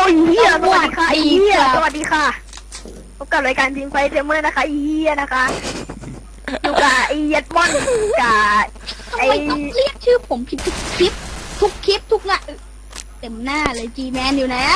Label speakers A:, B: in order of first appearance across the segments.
A: ยเฮียสวัสดีค่ะเฮียสวัสดีค่ะพบกับรายการทีมไฟเทมเมอร์นะคะเฮียนะคะอยู่กับไอเย็ดมอนกับ
B: ทำไมต้องเรียกชื่อผมผิดทุกคลิปทุกงานเต็มหน้าเลยจีแมนอยู่นะ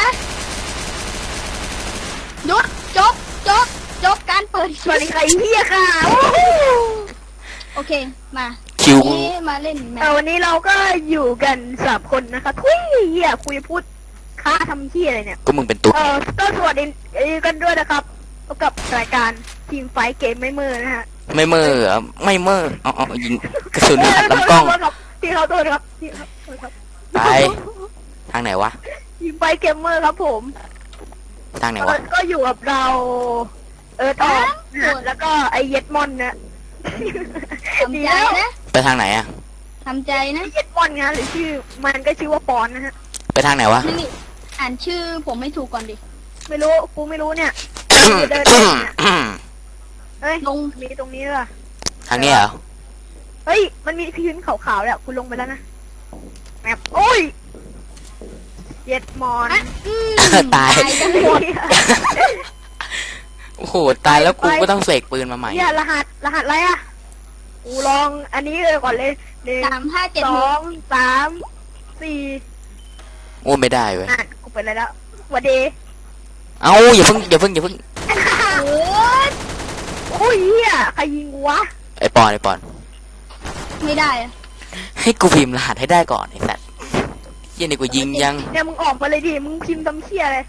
B: หยุดจบการเปิด
A: สวัสดีค่ะเฮียค่ะ
B: โอเคมา
C: คิว
B: มาเล่นแมว
A: วันนี้เราก็อยู่กัน3 คนนะคะทุยเฮียคุยพูดค้าทำเฮียอะไรเนี่ย
C: ก็มึงเป็นตุ๊ด
A: ก็สวัสดีกันด้วยนะครับพบกับรายการทีมไฟเกมไม่มือนะฮะ
C: ไม่เมื่อไม่เมื่อเอายิงกระสุนอัดลำกล้อง
A: ที่เขาโทษครับที่เขาโทษครับ
C: ไปทางไหนวะ
A: ทีมไฟเกมเมอร์ครับผม
C: ทางไหนวะ
A: ก็อยู่กับเราตอบแล้วก็ไอเย็ดมอนนะ
B: ทำใจนะ
C: ไปทางไหนอะ
B: ทำใจนะ
A: เย็ดมอนไงหรือชื่อมันก็ชื่อว่าปอนนะฮะ
C: ไปทางไหนวะ
B: นี่อ่านชื่อผมไม่ถูกก่อนดิ
A: ไม่รู้กูไม่รู้เนี่ยเดินเฮ้ย
B: ลง
A: มีตรงนี้ด้วย
C: ทางนี้เหรอ
A: เฮ้ยมันมีพื้นขาวๆแหละคุณลงไปแล้วนะแมปโอ้ยเย็ดมอน
C: ตาย
A: กันหมด
C: โอ้โหตายแล้วกูก็ต้องเสกปืนมาใหม่
A: เนี่ยรหัสอะไรอ่ะกูลองอันนี้เลยก่อนเลย1 2 3 4
C: โอ้ไม่ได้เว้ย
A: กูไปแล้ววันเดย์
C: เอาอย่าเพิ่ง
A: โอ้ยเหี้ยใครยิงวะ
C: ไอปอน
B: ไม่ได้อะ
C: ให้กูพิมพ์รหัสให้ได้ก่อนไอสัตว์ยันนี่กูยิงยัง
A: เนี่ยมึงออกมาเลยดิมึงพิมพ์ตำเชี่ยเลย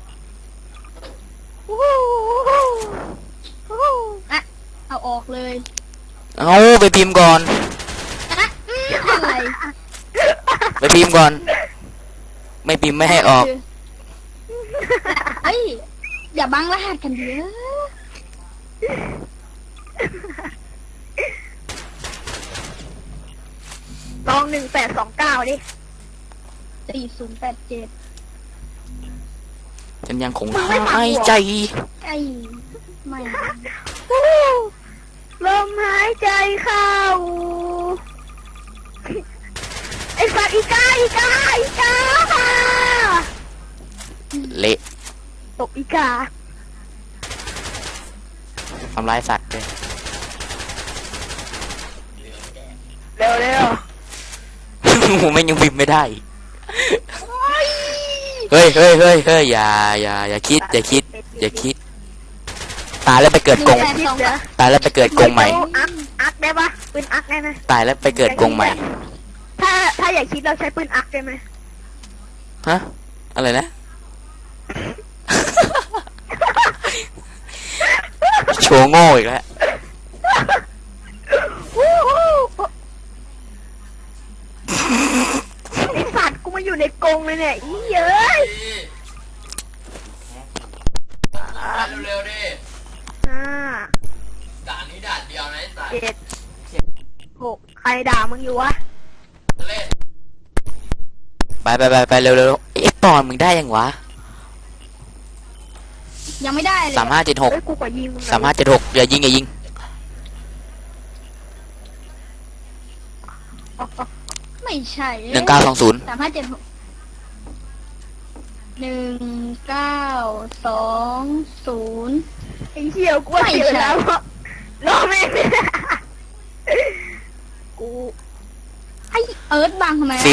B: อะเอาออกเลย
C: เอาไปพิมพ์ก่อน
B: อะไร
C: ไปพิมพ์ก่อนไม่พิมพ์ไม่ให้ออก
B: เฮ้ยอย่าบังรหัสกันเยอะ
A: ลอง1829ดิ
B: 4087
C: ฉันยังคงหายใจ
B: ไม่
A: ลมหายใจเข้าไอ้สัตว์อีกา
C: เละ
A: ตกอีกา
C: ทำร้ายสัตว์เลย
A: เร็ว
C: ผมไม่ยังพิมพ์ไม่ได้เฮ้ยอย่าคิดตายแล้วไปเกิดกงตายแล้วไปเกิดกงใหม่
A: อักได้ปะปืนอักได้ไหม
C: ตายแล้วไปเกิดกงใหม่
A: ถ้าอยากคิดเราใช้ปืนอักได้ไหม
C: ฮะอะไรนะโชว์โง่อีกแล้ว
A: ไอสัตว์กูมาอยู่ในกรงเลยเนี่ยอีเย้ย
D: เร็วๆดิด่านนี้ด่านเดียวนะไอ้สัตว์
A: 7 6ใครด่ามึงอยู่วะ
D: เล่น
C: ไปเร็วไอ้ปอนมึงได้ยังวะ
B: ยังไม่ได้เลย
C: 3576อย่ายิง
B: ไม่ใช่
C: 1920
B: 3576 1920
A: ไอ้เหี้ยกูเสียแล้วรอแม่กู
B: ไอเอิร์ธบังทำไม
C: 4078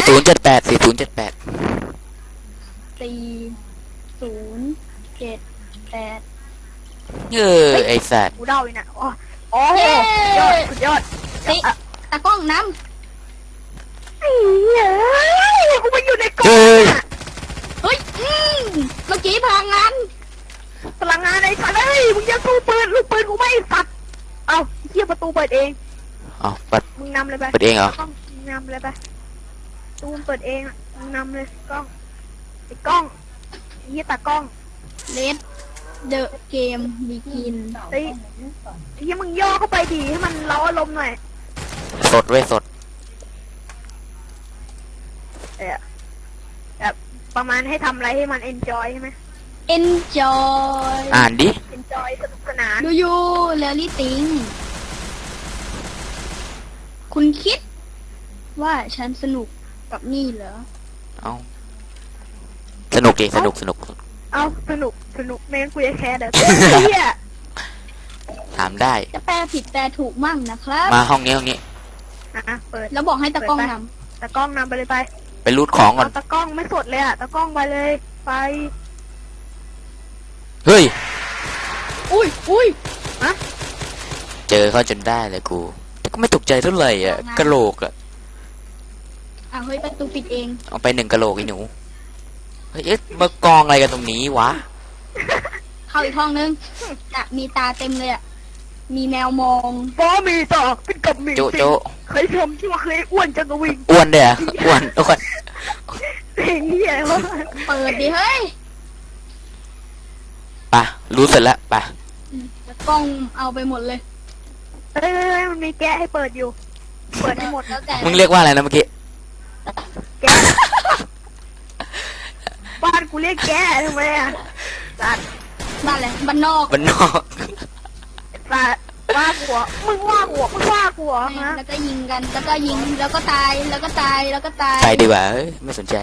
C: ไอ้สัตว์
A: กูเดาเลยนะโอ้ยสุดยอด
B: ตากล้องน้
A: ำไอ้เหี้ยกูมาอยู่ในกล่อง
B: เฮ้ยเมื่อกี้พลังงาน
A: ไอ้สัตว์เอ้ยมึงจะสู้ปืนลูกปืนกูไม่สัตว์เอ้าเหี้ยประตูเปิดเอง
C: เปิด
A: มึงนำเลยไป
C: เปิดเองเหรอ
A: มึงนำเลยไปตูมเปิดเองมึงนำเลยกล้องไอ้กล้องเหี้ยตากล้อง
B: เลสเดอะเกมบีกิน
A: เฮ้ยมึงย่อเข้าไปดีให้มันเล้าอารมณ์หน่อย
C: สด
A: แบบประมาณให้ทำอะไรให้มัน enjoy ใช่ไหม
B: enjoy
C: อ่านดิ
A: enjoy สนุกสนาน
B: ดูยูเรลลี่ติงคุณคิดว่าฉันสนุกกับนี่เหรอ
C: เอาสนุกดิสนุก
A: เอาสนุกแม่งกูจะแคร์เด้อเฮีย
C: ถามได้
B: จะแปลผิดแปลถูกมั่งนะครับ
C: มาห้องนี้
A: เปิด
B: แล้วบอกให้ตะกล้องน
A: ตะกล้องนำไปเลยไป
C: ไปรูดของก่อน
A: เอาตะกล้องไม่สดเลยอะตะกล้องไปเลยไป
C: เฮ้ย
B: ำอุ้ย
C: เจอเขาจนได้เลยกูแต่ก็ไม่ตกใจเท่าไหร่อ่ะกะโหลกอ่ะ
B: เฮ้ยประตูปิดเอง
C: เอาไป1กะโหลกไอ้หนูเฮ้ยเอ๊ะมากองอะไรกันตรงนี้วะ
B: เข้าอีกห้องนึงจะมีตาเต็มเลยอ่ะมีแมวมอง
A: บอมีต่อเป็นกับมี
C: โจโจ
A: เคยชมที่ว่าเคยอ้วนจังกะวิง
C: อ้วนเด้ออ้วน
A: เพลงเฮียวะ
B: เปิดดิเฮ้ย
C: ไปะรู้เสร็จแล้วไปะ
B: ตะกล้องเอาไปหมดเลย
A: เอ้ยมันมีแกะให้เปิดอยู่ เปิดให้หมด
B: แล้วแต่
C: มึงเรียกว่าอะไรนะเมื่อกี้
A: แกะบ้านกูเรียกแกะทำไมอะสัตว์
B: บ้านอะไรบ้านนอก
C: บ้านนอก
A: สัตว์ว่าหัวมึงว่าหัวมึงว่าหัวฮะ
B: แล้วก็ยิงกันแล้วก็ยิงแล้วก็ตายแล้วก็ตายแล้วก็ตาย
C: ไปดีกว่าเอ้ยไม่สนใจ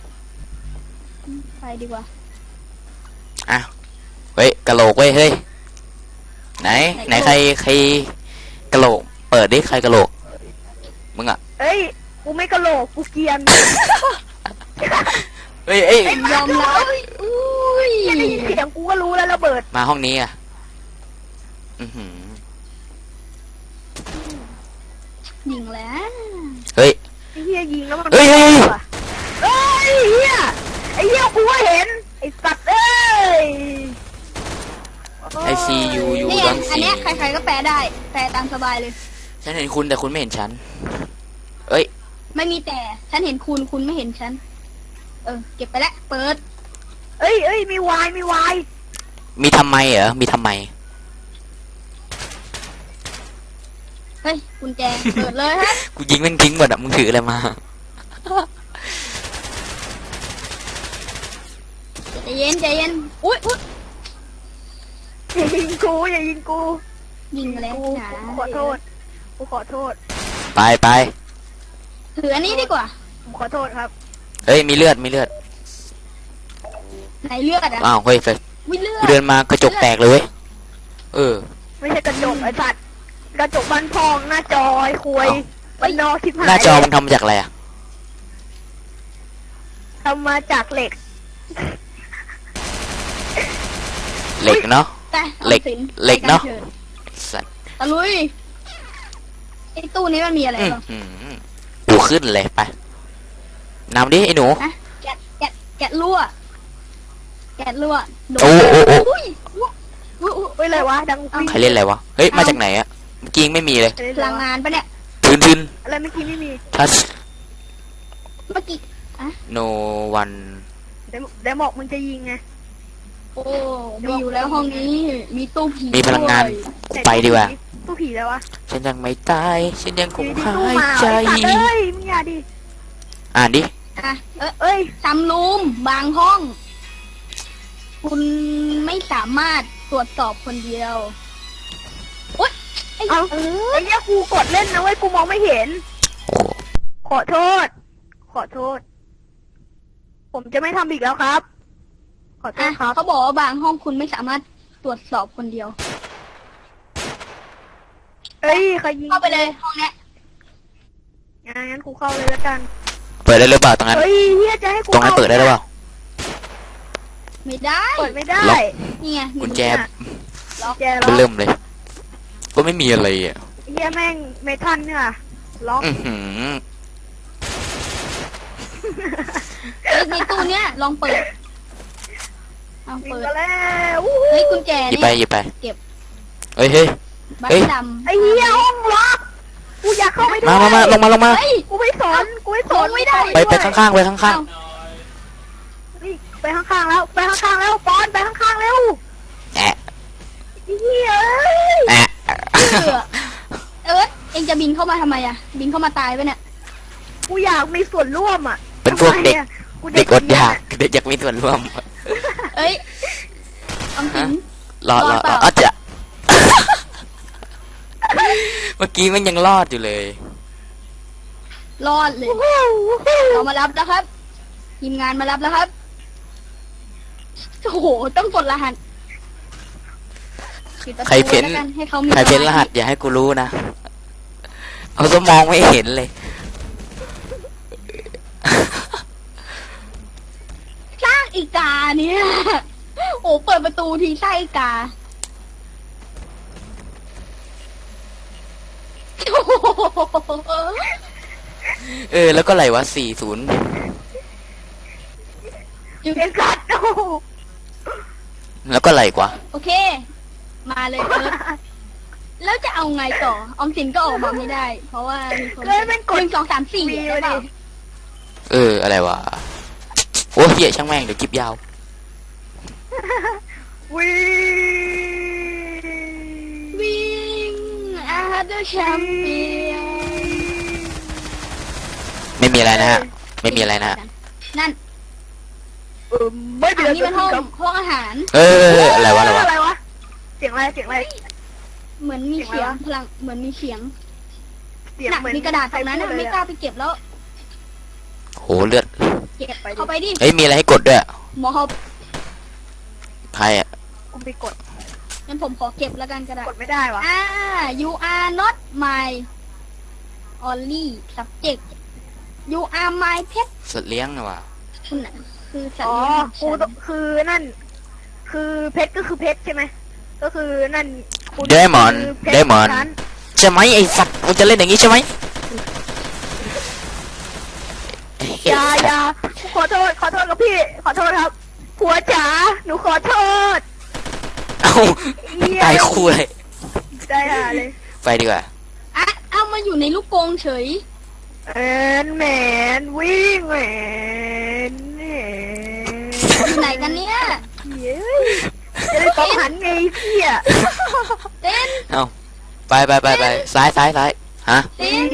B: ไปดีกว่า
C: อ้าวเฮ้ยกะโหลกเว้ยเฮ้ยไหนใครกะโหลกเปิดดิใครกะโหลกมึงอ่ะ
A: เอ้ยกูไม่กะโหลกกูเกรียน
C: เฮ้ย
B: ยอมรับอุ้ย
A: แค่ได้ยินเสียงกูก็รู้แล้วระเบิด
C: มาห้องนี้อ่ะอือหือ
B: ยิงแล้ว
C: เฮ้ย
A: ไอ้เฮียยิงแล้วมัน
C: เฮ้ย
A: เอ้ยเฮียไอ้เฮียกูก็เห็นไอ้สัตว์เอ้ย
C: ไอซียู
B: นี่ไง
C: ดอน
B: อัน
C: ซี
B: เนี้ยใครๆก็แปลได้แปลตามสบายเลย
C: ฉันเห็นคุณแต่คุณไม่เห็นฉันเอ้ย
B: ไม่มีแต่ฉันเห็นคุณไม่เห็นฉันเก็บไปแล้วเปิด
A: เอ้ยมีวาย
C: มีทำไมเหรอมีทำไม
B: เฮ้ยกุญแจเปิดเลยฮะ
C: กูยิงแม่งทิ้งหมดอ่ะมึงถืออะไรมา
B: ใจเย็นอุ้ย
A: อย่ายิงกู
B: ยิงแล้ว
A: กู
B: นะ
A: ขอโทษกูขอโทษ
C: ไป
B: ถืออันนี้ดีกว่า
A: ผมขอโทษครับ
C: เฮ้ยมีเลือด
B: ไหนเลือดอ่ะ
C: อ้าวเฮ้ยเฟย
B: วิเลือ
C: กู
B: ด
C: เดินมากระจกแตกเลยเว้ยเออ
A: ไม่ใช่กระจกไอ้สัตว์กระจกบ้านพองหน้าจอไอ้คุยบ้านนอกทิพย์
C: หน้าจอมันทำมาจากอะไรอ่ะ
A: ทำมาจากเหล็ก
C: เหล็กเนาะ
B: แต่
C: เหล็ก
B: ออมสิน
C: เหล็กเนอะ
B: ไปชิญ
C: สัตว์
B: ตะลุยไอ้ตู้นี้มันมีอะไร
C: อื้อ
B: บ้าง
C: หือกูขึ้นเลยไปนำดิไอ้หนู
B: นะแกะรั่วโดน
C: โอ้โอ้
B: อุ้ย
A: เฮ้ยอะไรวะดังวิ่ง
C: ใครเล่นอะไรวะเฮ้ยมาจากไหนอ่ะเมื่อกี้ยังไม่มีเลย
B: พลังงานปะเนี่ย
C: ทืน
A: อะไรเมื่อกี้ไม่มี
C: ทัช
B: เมื่อกี้
C: โนวัน
A: เดี๋ยวบอกมึงจะยิงไง
B: โอ้มีอยู่แล้วห้องนี้มีตู้ผี
C: มีพลังงาน
B: ด้วย
C: กูไปดีกว่า
A: ตู้ผีแล้ววะ
C: ฉันยังไม่ตายฉันยังคง
A: อยู่ดี
C: หา
A: ตู้
C: ย
A: มา
C: ใจ
A: ไอ้สัตว์เอ้ยมึงอย่าดิ
C: อ่านดิ
B: อ่ะ
A: เอ้ย
B: ซัมรูมบางห้อง คุณไม่สามารถตรวจสอบคนเดียวโอ๊ยไอ้
A: เอา
B: เออ
A: ไอ้เนี้ยกูกดเล่นนะเว้ยกูมองไม่เห็น
C: โอ้
A: ขอโทษ ผมจะไม่ทำอีกแล้วครับ ขอโท
B: อ่ะ
A: ษครับ
B: เขาบอกว่าบางห้องคุณไม่สามารถตรวจสอบคนเดียว
A: เอ้ยใครยิง
B: เข้าไปเลยห้องเนี้ย
A: งั้นกูเข้าเลยแล้วกัน
C: เปิดได้หรือเปล่าตรงนั้น
A: เฮ้ยเฮียจะให้กู
C: ตรงนั้นเปิดได้หรือเปล่า
B: ไม่ได้
A: เปิดไม่ได้
C: ล็อก
B: นี่ไงมี
C: กุญแจ
A: แจ
C: เบ
A: ล็อก
C: เริ่มเลย ก็ไม่มีอะไรอ่ะ
A: เฮียแม่งเมทัลเนี่ยล็อก
C: อือหือ
B: เฮ้ยในตู้เนี้ยลองเปิดเอา
A: ยิง
B: เปิด
A: กันแล้วอู้
B: เฮ้ยกุญแจ
C: หยิบ
B: เนี่
C: ไป
B: ย
C: หยิบไป
B: เก็บ
C: เฮ้ย
B: บัต
C: เฮ้ย
B: รดำ
A: ไอ้เฮียห้องล็อกกูอยากเข้าไปด้วย
C: มาลงมา
B: เฮ้ย
A: กูไม่สอน
B: ไม่ได้
C: ไปข้างๆไปข้าง
B: เอ้า
A: นี่ไปข้างๆแล้วปอนไปข้างๆแล้ว
C: ๆแอะ
A: ไอ้เฮียเอ้ย
C: แอะ
B: เอ็งจะบินเข้ามาทำไมอะบินเข้ามาตายปะเนี่ย
A: กูอยากมีส่วนร่วมอ่ะ
C: เป็นพวกเด็ก
A: ทำไมอะกู
C: เด็กอดอยากเด็กอยากมีส่วนร่วม
B: เอ้ยออมสิน
C: รอ
B: รอดเปล่า
C: อาจจะ เมื่อกี้มันยังรอดอยู่เลย
B: รอดเลยเรามารับแล้วครับทีมงานมารับแล้วครับโอ้โห ต้องกดรหัสปิดประตู
C: ใครเพ้น
B: แล้วกันให้เขามี
C: ใครเพ้นรหัสอย่าให้กูรู้นะ เอาสมองไม่เห็นเลย
B: สร้างอีกาเนี่ย โอ้เปิดประตูทีไส้อีกาโอ้โห
C: แล้วก็ไหลวะ40
A: เป็นสัตว์โอ้โห
C: แล้วก็ไหลกว่า
B: โอเค มาเลยเอิร์ธแล้วจะเอาไงต่อออมสินก็ออกมาไม่ได้ เพราะว่ามีคน
A: เกิดเป็นก
B: ห
A: ด
B: นึ่งสองสามสี่
A: วี
B: ได้
A: มา
B: เป
A: ดิ
B: ล่า
C: อะไรวะ โอ้เหี้ยช่างแม่งเดี๋ยวคลิปยาว
A: วี
B: วิ่งอาร์เดอร์แชมเปี้ยน
C: ไม่มีอะไรนะฮะ ไม่มีอะไรนะฮะ
B: นั่น
A: ไม่เป็น
B: อันนี้เป็นห้องอาหาร
C: อะไรวะ
A: อะไรวะเสียงอะไรเสียงอะไร
B: เหมือนมีเสียง
A: เสียงอะไรวะ
B: พลังเหมือนมีเสียง
A: เสียง
B: น่ะ
A: เหมือน
B: มีกระดาษตรงนั้นน่ะ
A: ใคพู
B: ไม่
A: เลย
B: กล้าไปเก็บแล้ว
C: โหเลือด
B: เก็บเข้าไปดิ
C: เฮ้ยมีอะไรให้กดด้วย
B: หมอเขา
C: ใครอ่ะ
A: กูไปกด
B: งั้นผมขอเก็บแล้วกันกระดาษ
A: กดไม่ได้วะ
B: you are not my only subject you are my pet
C: สัตว์เลี้ยงนะวะ
B: คุณน่ะคือสัต
A: อ๋
B: ว์
A: อ
B: เลี้ยง
A: กู
B: ของฉัน
A: คือนั่น คือเพชรก็คือเพชรใช่ไหมก็คือนั่นคุณ
C: เดมอน
A: คือพชร
C: เดมอน
A: ฉัน
C: ใช่ไหมไอ้สัตว์มึงจะเล่นอย่างนี้ใช่ไหม
A: อย่าขอโทษครับพี่ ขอโทษครับผัวจ๋าหนูขอโทษ
C: เอ้า
A: เหี้ย
C: ตายคู่เลย
A: ได้เลย
C: ไปดีกว่า
B: อ่ะเอามาอยู่ในลูกกรงเฉย
A: แมนวิ่งแมน
B: อยู่ไหนกันเนี่ย
A: เย้ยจะได้ต้องหันไงพี่อ่ะ
B: เต้น
C: เอ้าไปซ้ายฮะ
B: เต้น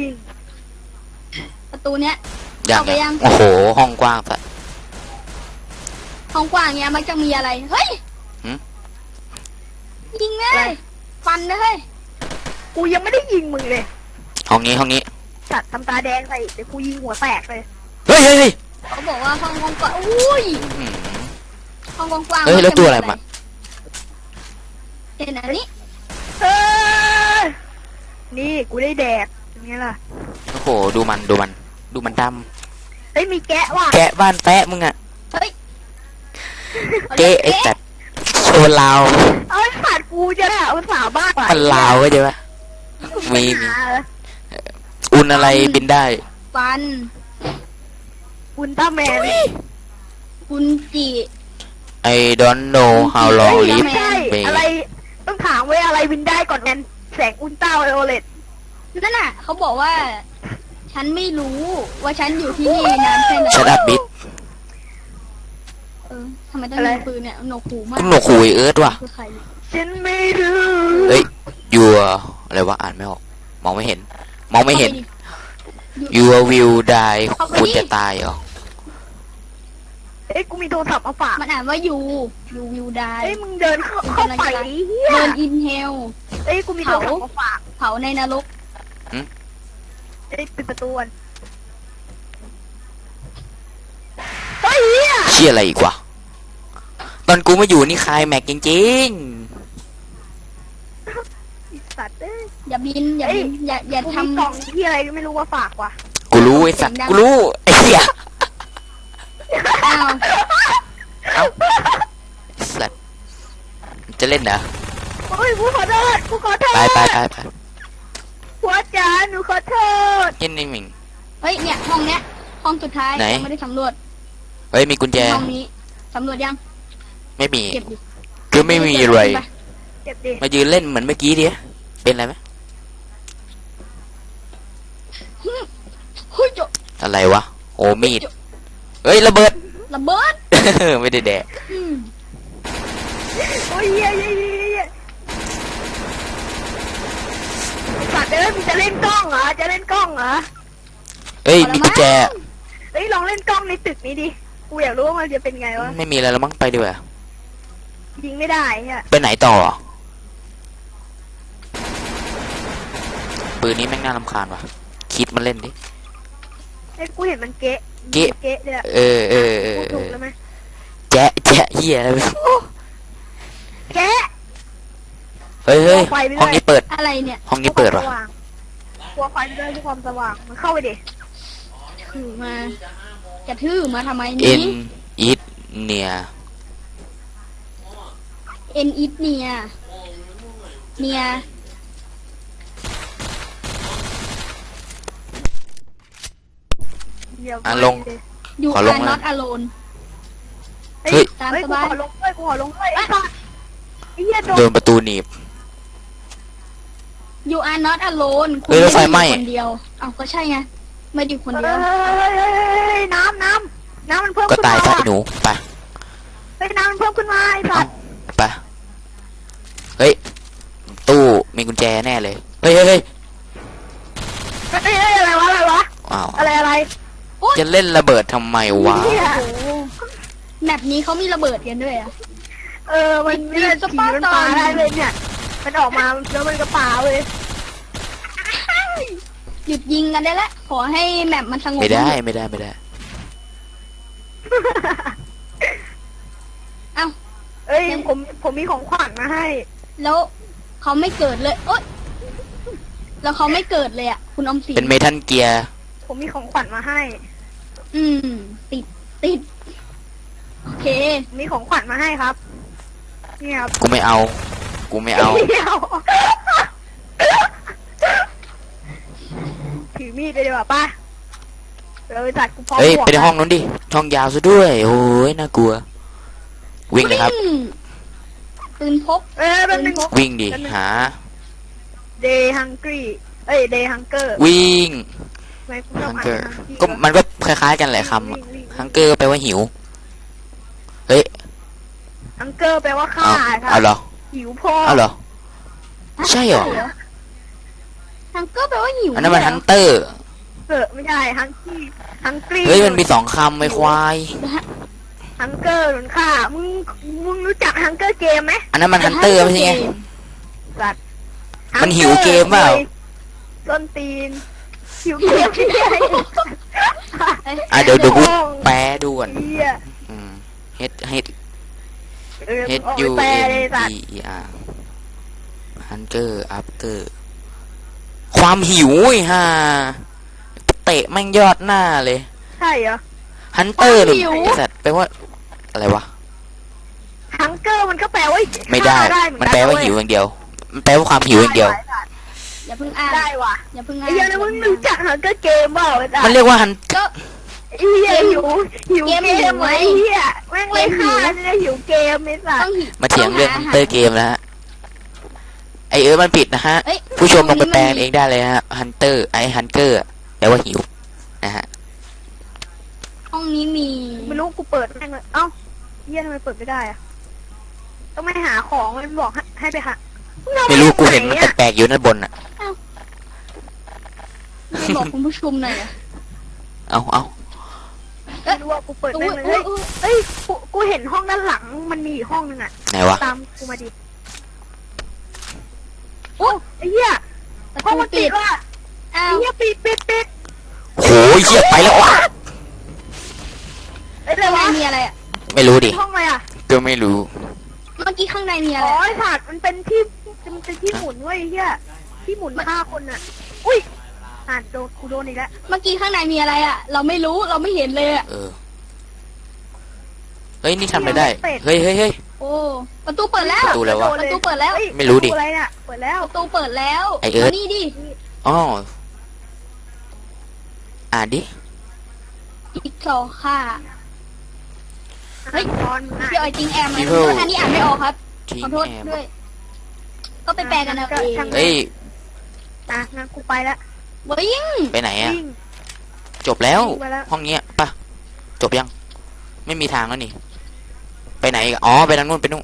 B: ประตูเนี้ย
C: ยัง
B: เข้าไปยัง
C: โอ้โหห้องกว้างสัตว์
B: ห้องกว้างเนี้ยมันจะมีอะไรเฮ้ย
C: หืม
B: ยิงเลยฟันเลย
A: กูยังไม่ได้ยิงมึงเลย
C: ห้องนี้
A: สัตว์ทำตาแดงใส่เดี๋ยวกูยิงหัวแตกเลย
C: เฮ้ย
B: เขาบอกว่าห้องกว้างอุ้ย
C: อืม
B: ห้องกว้าง
C: เฮ้ยแล้วตัวอะไรมา
B: เห็นอันนี้
A: เออนี่กูได้แดกเป็นไงล่ะ
C: โอ้โหดูมันด
A: เฮ้ยมีแกะว่ะ
C: ำแกะบ้านแปะมึงอะ
B: เฮ้ย
C: เกะไอ้สัตว์โชว์ลาว
A: เอ้ยสัตว์กูจะได้เอาสาวบ้าไป
C: มันลาวก็ใช่ปะมี อุ่นอะไรบินได้
B: ฟัน
A: อุลตร้าแมน
B: คุณจิ
C: I don't know how long
A: เฮ้ย
C: live
A: ไม่ใช่
C: may
A: อะไรต้องถามไว้อะไรวินได้ก่อนแนนแสงอุลตร้าไวโอเลต
B: นั่นน่ะเขาบอกว่า ฉันไม่รู้ว่าฉันอยู่ที่นี่นานแค่ไหน
C: Shut up bitch
B: ทำไมต้องยิงปืนเนี่ยหนวกหูมาก
C: คุณหนวกคุยเอิร์ธว่ะ
B: คือใคร
A: ฉันไม่รู้
C: เฮ้ยยูอะไรวะอ่านไม่ออก มองไม่เห็น You will die คุณจะตายเหรอ
A: เอ้ยกูมีโทรศัพท์มาฝาก
B: มันอ่านว่ายูวิวได้
A: เอ้ยมึงเดินเข้าไปเฮีย
B: เดินอินเฮล
A: เอ้ยกูมีโทรศัพท์มาฝาก
B: เผาในนรก
A: เอ้ยปิดประตูก่อนเฮ้ยเฮีย
C: เชี่ยอะไรอีกวะตอนกูมาอยู่นี่คลายแม็กจริง
A: ไอ้สัตว์เอ้ย
B: อย่าบินอย่า
A: กู
B: ท
A: มีกล่องที่อะไรก็ไม่รู้ว่าฝากว่ะ
C: ๆ กูรู้ไอ้สัตว์กูรู้ไอ้เหี้ย
B: ำอ้าว
C: เอ้าไอ้สัตว์จะเล่นเหรอ
A: เฮ้ยกูขอโทษกูขอโทษ
C: ไป
A: หัวจ๋าหนูขอโทษ
C: เย็นนี่มิง
B: เฮ้ยเนี่ยห้องเนี้ยห้องสุดท้าย
C: ไหน
B: ยังไม่ได้สำรวจ
C: เฮ้ยมีกุญแจ
B: ห้องนี้สำรวจยัง
C: ไม่มี
B: เก็บดิ
C: คือไม่มีอะไร
A: เจ็บดิ
C: มายืนเล่นเหมือนเมื่อกี้ดิเป็นอะไรไหม
B: เฮ้ยจบ
C: อะไรวะโอ้มีดเฮ้ยระเบิด
B: ระเบิด
C: ไม่ได้แดก
B: อืม
A: โอ้ยเฮียสัตว์เอ้ยมึงจะเล่นกล้องเหรอจะเล่นกล้องเหรอ
C: เฮ้ยมีกุญแจ
A: เฮ้ยลองเล่นกล้องในตึกนี้ดิกูอยากรู้ว่ามันจะเป็นไงวะ
C: ไม่มีอะไรแล้วมั้งไปดีกว่า
A: ยิงไม่ได้เฮีย
C: ไปไหนต่อปืนนี้แม่งน่ารำคาญว่ะคิดมันเล่นดิ
A: เอ้ยกูเห็นมันเกะ
C: เกะ
A: เกะเนี่ย
C: เออ
A: พูดถูกแล้วไหม
C: แจ๊ะแจ๊ะเหี้ยอะไร
A: แกะ
C: เฮ้ยเฮ้ยห้องนี้เปิด
B: อะไรเนี่ย
C: ห้องนี้เปิดวะ
A: กลัวไฟไปด้วยด้วยความสว่างมันเข้าไปดิ
B: ถือมาจะถือมาทำไม
C: เอ็
B: นี้
C: นอีทเนีย
B: เอ็นอิทเนียเนีย
A: เดี๋ยว
B: ยู
C: ขอ
B: อา
C: ล
B: ร์
C: งมา
B: น็อตอโลน
A: เฮ้ย
B: ตาม
A: เฮ้ย
B: ส
A: กู
B: บาย
A: ขอลงด้วยกูขอลงด้วยไอ้สัสไอ้เหี้ยโด
C: โด
A: น
C: นประตูหนีบ
B: ยูอาร์น็อตอโลนคุณ
C: เฮ้ยแล้วไฟไหม้
B: คนเดียวเอาก็ใช่ไงไม่ได้อยู่คนเดียว
A: เฮ้ยน้ำมันเพิ่ม
C: ก็
A: ขึ้น
C: ตาย
A: มา
C: ซะไอ้หนูไป
A: เฮ้ยน้ำมันเพิ่มขึ้นมาไอ้สั
C: เอ้า
A: ส
C: ไปเฮ้ยตู้มีกุญแจแน่เลยเฮ้ยเฮ้ยเฮ้ย
A: เฮ้ยอะไรวะ
C: อ้าว
A: อะไร
C: จะเล่นระเบิดทำไมวะ
A: เหี้ย
B: โอ้โหแมปนี้เขามีระเบิดกันด้วยอะ
A: มันไม่ได้ผีมันปาได้เลยเนี่ยมันออกมาแล้วมันก็ปาเลย
B: หยุดยิงกันได้แล้วขอให้แมปมันสงบ
C: ไม่ได้ไม่ได้ไม่ได้
B: เอ้า
A: เอ้ยผมมีของขวัญมาให้
B: แล้วเขาไม่เกิดเลยโอ๊ยแล้วเขาไม่เกิดเลยอ่ะคุณอมสิน
C: เป็นเมทัลเกียร์
A: ผมมีของขวัญมาให้
B: อืม ติดโอเค
A: มีของขวัญมาให้ครับนี่ครับ
C: กูไม่เอากูไม่เอา
A: เดี๋ยวถือมีดเลยดีกว่าป่ะจัดกูพร้อม
C: เฮ้ย
A: บวก
C: ไปในห้องนู้นดิห้องยาวซะด้วยโอ้ยน่ากลัว วิ่งเลยครับ
B: ปืนพก
A: เป็นหนึ่ง
C: วิ่งดิหา
A: Day Hungry เอ้ย Day Hunger
C: วิ่ง
A: ไม่กูชอบ
C: ฮัง
A: อ่าน
C: เกอร์
A: Hungry
C: ก็มันก็คล้ายๆกันแหละคำอะฮังเกอร์แปลว่าหิวเฮ้ย
A: Hunger แปลว่าฆ่า
C: เอา
A: ครับ
C: เอาเหรอ
A: หิวพ่อ
C: เอาเหรอ ใช่เหรอ
B: ฮังเกอร์แปลว่าหิว
C: อันนั้นมันฮันเตอร์
A: ไม่ใช่ Hungry
C: เฮ้ยมันมี2 คำไม่ควาย
A: Hunger หนุนฆ่ามึงรู้จัก Hunger Game ไหม
C: อันนั้นมันฮันเตอร์ไม่ใช่ไง
A: สัตว์
C: มันหิวเกมเปล่า
A: ต้นตีนหิวเกมที่ไหน
C: อ่ะเดี๋ยวกูแปลด่วน
A: เหี้ย
C: H H
A: เออ
C: H
A: ออก
C: U
A: ไปแปล
C: N
A: เลยสัต
C: E
A: ว์
C: E R Hunger After ความหิวไอ้ห่าเตะแม่งยอดหน้าเลย
A: ใช่เหรอ
C: ฮันเตอร์หรือไอ้สัตว์แปลว่าอะไรวะ
A: Hunger มันก็แปลว่า
C: ไม่ได้
A: ฆ่าเหอ
C: มันแปลว่าหิวอย่างเดียว มันแปลว่าความหิวอย่างเดียว
B: อย่าเพิ่งอ่าน
A: ได้ว่ะ
B: อย่าเพิ่งอ่า
A: ไอ้
B: น
A: เหี้ยแล้วมึงรู้จัก Hunger Game เปล่าไอ้สัต
C: มัน
A: ว์
C: เรียกว่าฮัน
B: ก็
A: ไอ้เหี้ยหิวเกม
B: เกมหิวไหม
A: ไอ้เหี้ยแม่งเลยฆ่าเนี่ยหิวเกมไอ้สัต
B: ต้อง
A: ว์
B: หิว
C: มาเถียงเรื่องฮันเตอร์เกมนะฮะ ไอมันผิดนะฮะ
B: เอ้ย
C: ผู้ชมลองไปแปลเองได้เลยนะฮะฮันเตอร์ไอฮันเกอร์แปลว่าหิวนะฮะ
B: ห้องนี้มี
A: ไม่รู้กูเปิดแม่งเลยเอ้าเหี้ยทำไมเปิดไม่ได้อะต้องไปหาของมันบอกให้ไปหามึงเอา
C: ไม่รู้กูเห็น
A: ไห
C: มัน
A: อะ
C: แปลกๆอยู่ด้านบนอ่ะ
B: ไม่บอกคุณผู้ชมหน่อยอะ
C: เอา
A: ไม่รู้ว่ากูเปิดแม่งเลย
B: อุ๊ย
A: เฮ้ยกูเห็นห้องด้านหลังมันมีอีกห้องนึงอะ
C: ไหนวะ
A: ตามกูมาดิโอ้ไอ้เหี้ย
B: ประ
A: ห้อง
B: ตู
A: มัน
B: ปิ
A: ปิ
B: ด
A: ดว่ะ
B: อ้า
A: ไอ้
B: ว
A: เหี้ยปิด
C: โหยเหี้ยไปแล้ววะ
A: เอ้ยอะไร
B: ข้างใน
A: วะ
B: มีอะไรอ่ะ
C: ไม่รู้ดิ
A: ห้องอะไรอะ
C: ก็ไม่รู้
B: เมื่อกี้ข้างในมีอะ
A: อ๋
B: ไร
A: อไอ้สัตว์มันเป็นที่หมุนเว้ยไอ้เหี้ยที่หมุนฆ่าคนอะอุ้ยโดนกูโดนอีกแล้ว
B: เมื่อกี้ข้างในมีอะไรอ่ะ เราไม่รู้เราไม่เห็นเลยอ่ะ
C: เออ เฮ้ยนี่ทำอะไรได้ เฮ้ยเฮ้ยเฮ้ย
B: โอ้ประตูเปิดแล้ว
C: ประตูแล้ววะ
B: ประตูเปิดแล้ว
A: ฮ้ย
C: ไม่รู้ดิ
A: ประตูอะไรเนี่ยเปิดแล้ว
B: ประตูเปิดแล้ว
C: ไอ้เอิร์ธ
B: มานี่ดิ
C: อ๋ออ่านดิ
B: อีกสองค่ะ เฮ้ย
A: ตอนไหน
B: พี่ออยจริงแอมนะ
C: People
B: อันนี้อ่านไม่ออกครับ
C: ทิ้ง
B: ขอโทษ
C: แอม
B: ด้วย ก็ไปแปลกันเอาเอง
C: เฮ้ย
A: งั้นกูไปแล้ว
B: วิ่ง
C: ไปไหนอ่ะ
A: วิ่ง
C: จบแล้ว
A: ไปแล้ว
C: ห้องเนี้ยปะจบยัง ไม่มีทางแล้วนี่ ไปไหนอีกอะอ๋อ ไปทางนู้นไปนู่น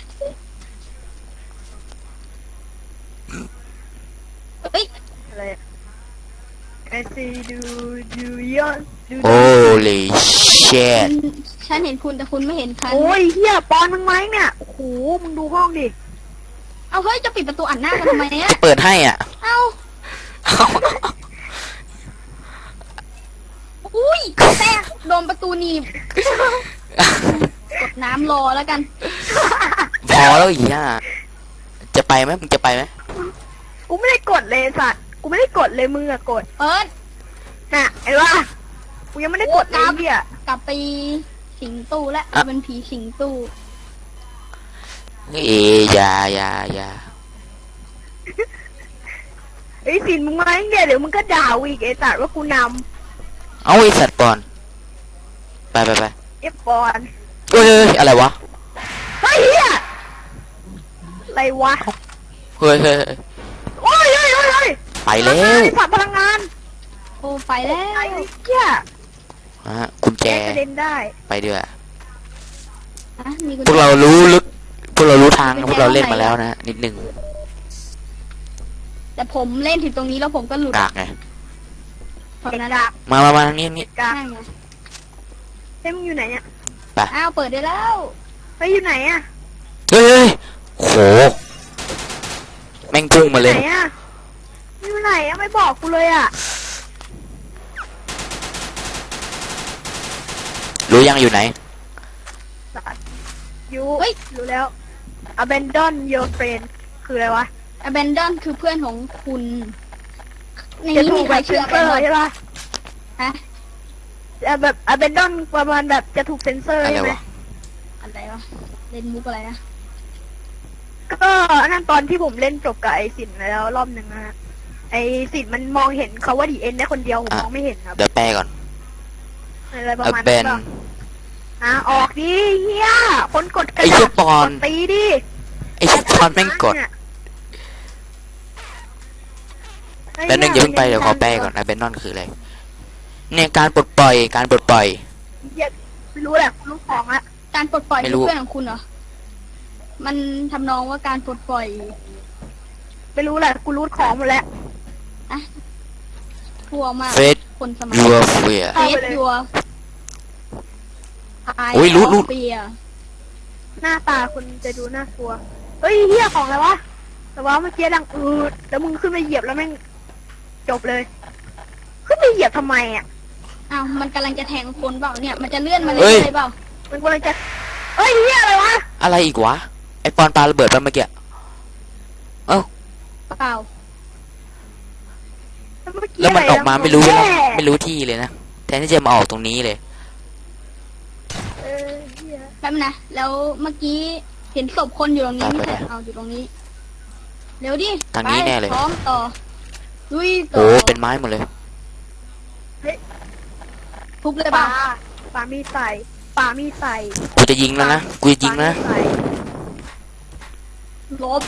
B: เฮ้ย
A: อะไรอะ I see do you do
C: โอ้ลิเชต
B: ฉันเห็นคุณแต่คุณไม่เห็นฉัน
A: โอ้ยเฮียปอนมึงไหมเนี่ยโอ้โหมึงดูห้องดิ
B: เอาเฮ้ยจะปิดประตูอัดหน้ากันทำไมเนี่ย
C: จะเปิดให้อ่ะ
B: เอาอุ้ยแตกโดนประตูหนีบกดน้ำรอแล้วกัน
C: พอแล้วอีกอ่ะจะไปไหมมึงจะไปไหม
A: กูไม่ได้กดเลยสัตว์กูไม่ได้กดเลยมึงอะกด
B: เปิด
A: น่ะไอ้ว่ากูยังไม่ได้กดเลยเหี้ย
B: กลับไปสิงตู้แล้วเป็นผีสิงตู้
C: อย่า
A: ไอ้สินมึงมาเงี้ยเดี๋ยวมึงก็ด่าอีกไอ้สัตว์ว่ากูน
C: เอาไอสัตว์ปอนไป
A: ำเอฟบอล
C: เอ้ยอะไรวะ
A: เฮ้ยเหี้ยอะไรวะ
C: เฮ้ย
A: โอ้ย
C: ไปแล้ว
A: สัตว์พลังงาน
B: โอ้ไปแล้ว
A: ไอ้เหี้ย
C: กุญแจ
A: แกกระเด็นได้
C: ไปด้วย
B: อ่ะมีกุญ
C: พวก
B: แจ
C: เรารู้ลึกพวกเรารู้ทางพวกเราเล่นมาแล้วนะนิดนึง
B: แต่ผมเล่นถึงตรงนี้แล้วผมก็หลุด
C: กากไง
B: เพราะนั้น
C: มาทางนี้นี่
A: กา
B: นั่งไง
A: เฮ้ยมึงอยู่ไหนเนี่ย
B: อ้าวเปิดได้แล้ว
A: เฮ้ยอยู่ไหนอะ
C: เฮ้ยโหแม่งพุ่งมาเลย
A: ไหนอะอยู่ไหนอะไม่บอกกูเลยอะ
C: รู้ยังอยู่ไหน
A: สัตว์อยู่เฮ้ยรู้แล้ว abandon your friend คืออะไรวะ
B: abandon คือเพื่อนของคุณใน
A: จะ
B: นี้
A: ถู
B: มี
A: ก
B: ใค
A: แบ
B: ร
A: บเซ
B: เชื่อน
A: เซอร์ใช่ปะ
B: ฮะ
A: แบบ abandon ประมาณแบบจะถูกเซนเซอร์
C: อะไร
A: ใช่ไหม
C: วะ
B: อะไรวะเล่นมุกอะไรนะ
A: ก็อันนั้นตอนที่ผมเล่นจบกับไอสินแล้วรอบหนึ่งนะฮะไอสินมันมองเห็นเขาว่าดีเอ็นได้คนเดียวผมมองไม่เห็นครับ
C: เดี๋ยวแปลก่อน
A: อะไรประมาณ
C: เบ
A: นั้น
C: น
A: ป่ะออกดิเฮียคนกดกระ
C: ไอ้เหี้
A: ดาย ษ
C: ปอน
A: กดตีดิ
C: ไอ้ชิบปอนแม่งกดแล้วนึงอย่าเพิ่งไปเดี๋ยวขอแปลก่อนนะเบนนอนคืออะไรเนี่ยการปลดปล่อย
A: เหี้ยไม่รู้แหละรู้ของละ
B: การปลดปล่อย
C: ไม่
B: คือ
C: รู้
B: เพื่อนของคุณเหรอมันทำนองว่าการปลดปล่อย
A: ไม่รู้แหละกูรู้ของหมดแล้ว
B: ทั่วมาก
C: เฟส
B: คนสมัย
C: ยูเฟีย
B: เฟสยัว
C: โอ้ยรู้
B: เปีย
A: หน้าตาคุณจะดูน่ากลัวเฮ้ยเฮียของอะไรวะแต่ว่าเมื่อกี้ดังแล้วมึงขึ้นไปเหยียบแล้วแม่งจบเลย ขึ้นไปเหยียบทำไมอ่ะ
B: อ้าวมันกำลังจะแทงคนเปล่าเนี่ยมันจะเลื่อนมาเรื่อยๆเปล่า
A: มันกำลังจะเฮ้ยเฮียอะไรวะ
C: อะไรอีกวะไอปอนปาระเบิดไปเมื่อกี้
B: เปล่า
C: แล้วมันออกมาไม่รู้
A: แย่
C: ไม่รู้ที่เลยนะแทนที่จะมาออกตรงนี้เลย
A: เหี้ย
B: แป๊บนะแล้วเมื่อกี้เห็นศพคนอยู่ตรงนี้
C: ไป
B: ไม่ใช่
C: ไป
B: เอาอยู่ตรงนี้เร็วดิ
C: ทางนี้
B: ไป
C: แน่เลย
B: พร้อมต่อลุยต่
C: โอ้
B: อ
C: เป็นไม้หมดเลย
B: ทุบเลย
A: ป
B: เป
A: ลา
B: ล่า
A: ปลามีใส่ปลามีใส่
C: กูจะยิงแล้วนะกูจะยิงแล้วนะ
A: ปลามีใส่
B: ลบ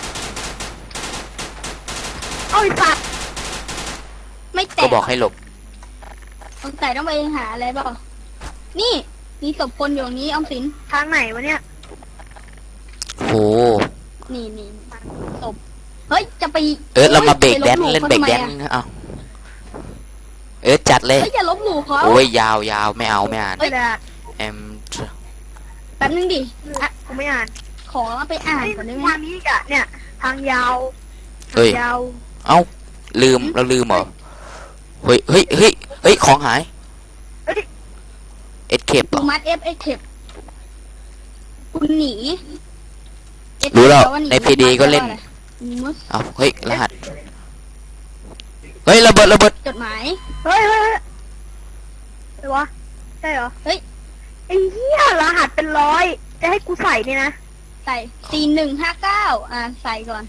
A: เอ้ยสัตว์
B: ไม่แต
C: ก็
B: ก
C: บอกให้หลบ
B: สงสัยต้องไปหาอะไรเปล่านี่มีศพคนอยู่ตรงนี้ออมสิน
A: ทางไหนวะเนี่ย
C: โอ้
B: นี่ศพเฮ้ยจะไป
C: เรามาเบรกแดน
B: ไป
C: เล่น
B: ขา
C: เบรก
B: ทำไม
C: แดน
B: อะ
C: นะเอาจัดเลย
B: เฮ้ยอย่าลบหลู่เขา
C: โอ้ยยาวไม่เอาไม่อ่าน
A: ไม่ได้
C: เอ็ม
B: แป๊บนึงดิอ่ะ
A: กูไม่อ่าน
B: ขอไปอ่าน
A: เฮ้ย
B: ก่อนได้ไหม
A: ทางนี้อีกอะเนี่ย ทางยาว
C: เฮ้ย
A: ทางยาว
C: เอ้าลืมเราลืมเหรอเฮ้ยของหาย
A: เอ้ย
C: เอ็ดเคปเหร
B: ดู
C: อ
B: มัดเอฟเอ็กเทปคุณหนี
C: รู้แล้ว
B: าห
C: ใน PD ก็เล่น
B: มุส
C: เอาเฮ้ยรหัสเฮ้ยระเบิด
B: จดหมาย
A: เฮ้ยอะไรวะใช่เหรอ
B: เฮ้ย
A: ไอ้เหี้ยรหัสเป็นร้อยจะให้กูใส่เนี่ยนะ
B: ใส่4159ใส่ก่อน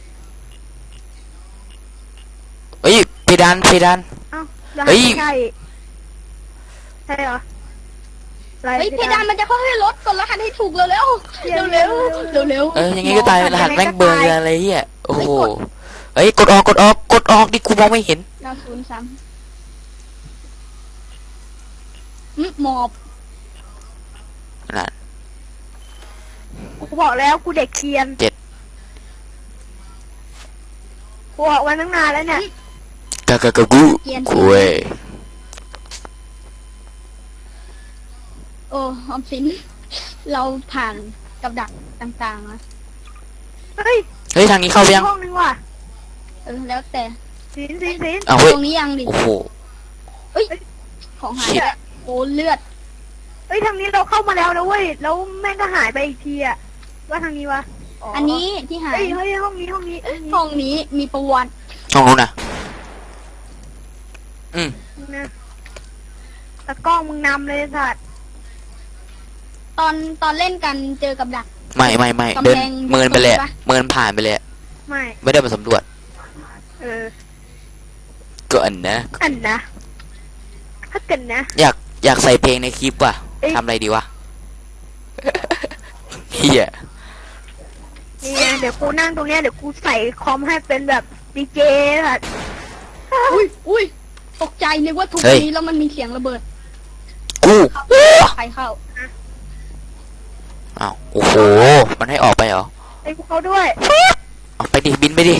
C: เฮ้ยเพดาน
A: เอ้ารหัส
C: เฮ้ย
A: ไม่ใช่ใช่เหรออะไร
B: เฮ้ยเพดานมันจะค่อยๆลดกดรหัสให้ถูกเร็วเร็วเร็วเร็วเร็วเร็ว
C: ยังไงก็ตายรหัสแม่งเบอร์อะไรเหี้ยโอ้โหเฮ้ยกดออกดิกูมองไม่เห็น
B: 903หมอบ
C: น่ะ
A: กูบอกแล้วกูเด็กเกรียน
C: 7
A: กูบอกไว้ตั้งนานแล้วเนี่ย
C: กะกูเว้ย
B: โอ้ออมสินเราผ่านกับดักต่างๆนะ
A: เฮ้ย
C: เฮ้ยทางนี้เข้าไปยัง
A: ห้องนึงว่ะ
B: แล้วแต่
A: สิน
C: เอาเฮ้ย
B: ตรงนี้ยังดิ
C: โอ้โห
B: ของหาย
C: ชิบ
B: โอ้เลือด
A: เฮ้ฮ้ยทางนี้เราเข้ามาแล้วนะเว้ยแล้วแม่งก็หายไปอีกทีอะว่าทางนี้วะ
B: อันนี้ที่หาย
A: เฮ้ยห้องนี้
B: ห้องนี้มีประวัติ
C: ช่องนู้นนะอืม
A: นะตะกล้องมึงนำเลยสัตว์
B: ตอนเล่นกันเจอกับดัก
C: ไม่
B: กำแพง
C: เดินเมินไปเลย
B: ปะ
C: เมินผ่านไปเลย
A: ไม่
C: ไม่ได้มาสำรวจ
A: เออ
C: ก่อนนะ
A: อันนะถ้าเกิดนะ
C: อยากใส่เพลงในคลิปว่ะ
A: เอ้ย
C: ทำอะไรดีวะ เฮีย
A: นี่ไงเดี๋ยวกูนั่งตรงเนี้ยเดี๋ยวกูใส่คอมให้เป็นแบบดีเจสัตว์
B: อุ้ยตกใจนึกว่าทุบนี้แล้วมันมีเสียงระเบิด
C: กู
B: ใครเข้า
C: อ้าวโอ้โห มันให้ออกไปเหรอ
A: ไอ้พวกเขาด้วย
C: ออกไปดิ บินไปดิ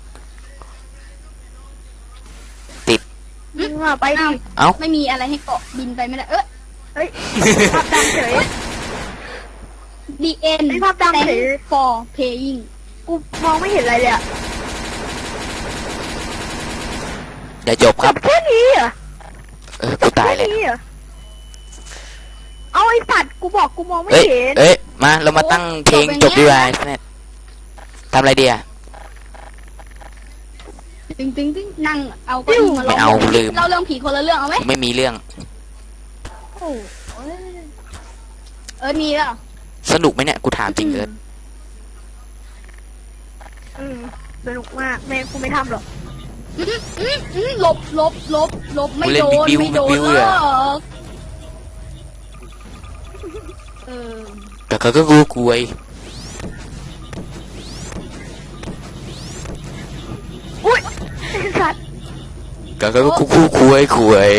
A: มึงอะไปดิ
C: เอ้า
B: ไม่มีอะไรให้เกาะบินไปไม่ได้เอ้ย
A: เฮ้ยภาพดำเฉย
B: The end
A: ไอ้ภาพดำเฉย
B: Thanks for playing
A: กูมองไม่เห็นอะไรเลยอะ
C: เดี๋ยวจบครับ
A: แค่นี้เหรอ
C: กูตายเลย
A: แค่นี้เหรอเอาไอ้สัตว์กูบอกกูมองไม่
C: เอ้ย
A: เห็น
C: เอ้ย มา เรามาตั้งเพลงจบดีกว่าเนี่ยทำอะไรดีอ่ะ
B: ตึงนั่งเอาเก็อี้มา
C: ไม่เอาลืม
B: เราเรื่องผีคนละเรื่องเอาไหม
C: ไม่มีเรื่อง
B: โอ้มีแล้ว
C: สนุกไหมเนี่ย กูถามจริงเลย
A: สนุกมากแม่กูไม่ทำหรอก
B: หลบไม่โดนไม่โดนหรอกเออ
C: แต่เขาก็กูกลัว
A: อุ้ยไอ้สัตว์
C: ก็กูกลัวคุย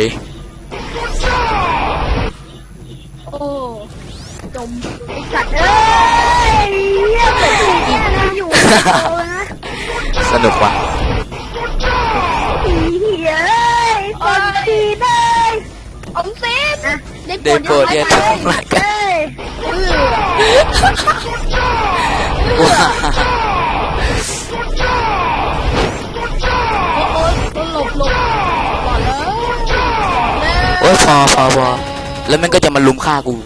B: โอ้จม
A: ไอ้สัตว์เอ้ยเหี้ยเหมือนผีเนี่ยนะอยู่โอ้นะ
C: สนุกว่ะ
A: ผีเหี้ยเอ้ยคนผีเลย
B: อมสินได้โปร
C: เดินโกรธ
B: ด
C: เนี่ย
B: ยังไง
C: ทำไรกัน
A: เอ้ย
C: ว้า
B: โอ้หลบก่อนเลย
C: โอ้ยพอแล้วมันก็จะมาลุมฆ่ากู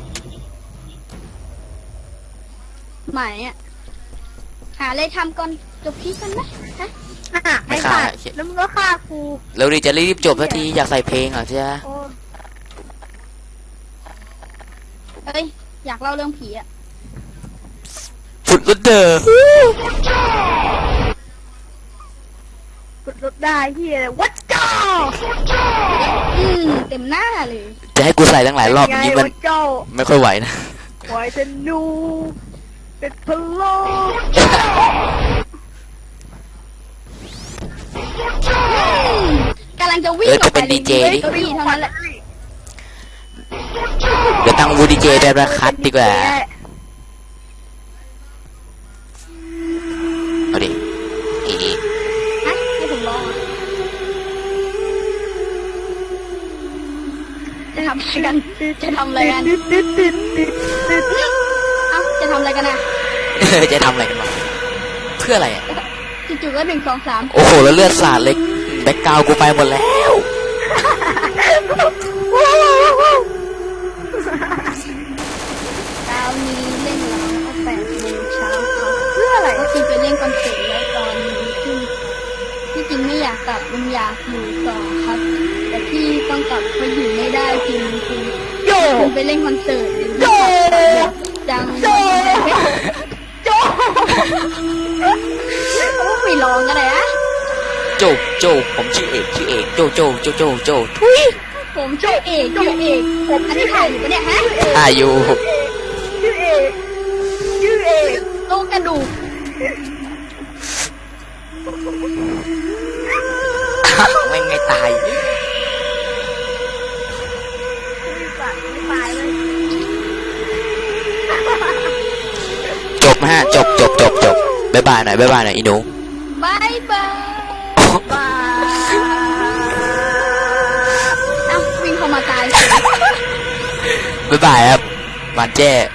B: หมายอ่ะหาอะไรทำก่อนจบคลิปกันไหมฮะ
A: ไอ้สัตว์แล้วมึงก็ฆ่ากู
C: แล้วดีจะรีบจบสักทีอยากใส่เพลงอ่ะใช่ไหม
A: โอ้
B: เอ้ยอยากเล่าเรื่องผีอ่ะ
C: ฟุดรถเดอร์
A: กดรถได้เหี้ยวัดจ้า
B: เต็มหน้าเลย
C: จะให้กูใส่ตั้งหลายรอบอย่างนี้มัน
A: วัดเจ้า
C: ไม่ค่อยไหวนะ
A: ปล่อยจะนูเป็นพะโล้
B: กำลังจะวิ่ง
C: จะเป็นดีเจดิ
B: ก็วิ่งเท่านั้นแหละ
C: เดี๋ยวตั้งวูดีเจแบบระคัดดีกว่าเอาดิอี
B: ฮะให้ผมลองอะจะทำอะไรกันจะทำอะไรกันเอ้าจะทำอะไรกันอ่ะ
C: จะทำอะไรกันวะเพื่ออะไรอ่ะ
B: จู่ๆก็1 2 3
C: โอ้โหแล้วเลือดสาดเลยแบ็คกราวด์กูไปหมดแล้ว
B: เช้านี้เล่นแล้ว8 โมงเช้าครับ
A: เพื่ออะไร
B: ก็คือไปเล่นคอนเสิร์ตแล้วตอนนี้ที่จริงไม่อยากกลับมันอยากอยู่ต่อครับ แต่ที่ต้องกลับเพราะอยู่ไม่ได้จริง
A: โย
B: คุณไปเล่นคอนเสิร์ต
A: โย
B: จัง
A: โจโจ
B: ไม่ร้องกันเลยอะ
C: โจผมชื่อเอกโจทุย
B: ผมชื่อเอกอันนี้ถ่ายอยู่ปะเนี่ยฮะ
C: อายุ
A: ชื่อเอกชื่อเอก
B: โลกระดูก
C: ไม่ไงตาย
A: ตายเลย
C: จบฮะจบบ๊ายบายหน่อยอีหนู
B: บายบาย
A: บ้า
B: เอ้าวิ่งเข้ามาตาย
C: บ๊ายบายครับหวานแจ้